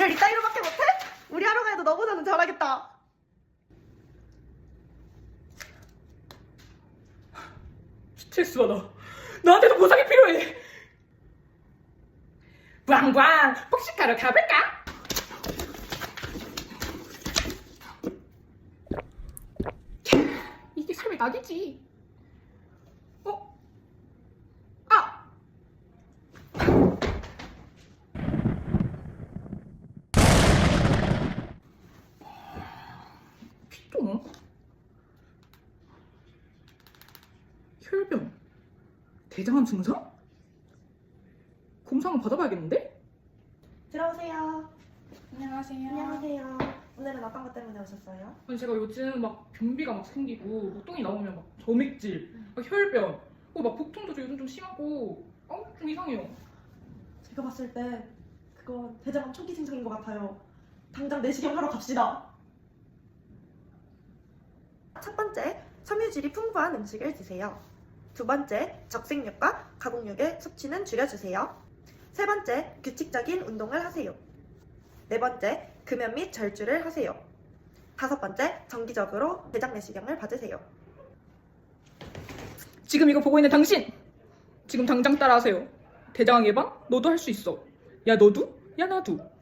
일을 이따위로밖에 못해? 우리 하루가 해도 너보다는 잘하겠다. 스트레스 받아. 나한테도 보상이 필요해. 왕왕 폭식하러 가볼까? 이게 삶의 낙이지. 어? 아! 피똥? 혈변? 대장암 증상? 검사 한번 받아봐야겠는데? 들어오세요. 안녕하세요. 안녕하세요. 오늘은 어떤 것 때문에 오셨어요? 아니 제가 요즘 막 변비가 막 생기고 뭐 똥이 나오면 막 점액질, 막 혈변, 막 복통도 요즘 좀 심하고 좀 이상해요. 제가 봤을 때 그건 대장암 초기 증상인 것 같아요. 당장 내시경 하러 갑시다. 첫 번째, 섬유질이 풍부한 음식을 드세요. 두 번째, 적색육과 가공육의 섭취는 줄여주세요. 세 번째, 규칙적인 운동을 하세요. 네 번째, 금연 및 절주를 하세요. 다섯 번째, 정기적으로 대장 내시경을 받으세요. 지금 이거 보고 있는 당신! 지금 당장 따라하세요. 대장암 예방? 너도 할 수 있어. 야 너도? 야 나도.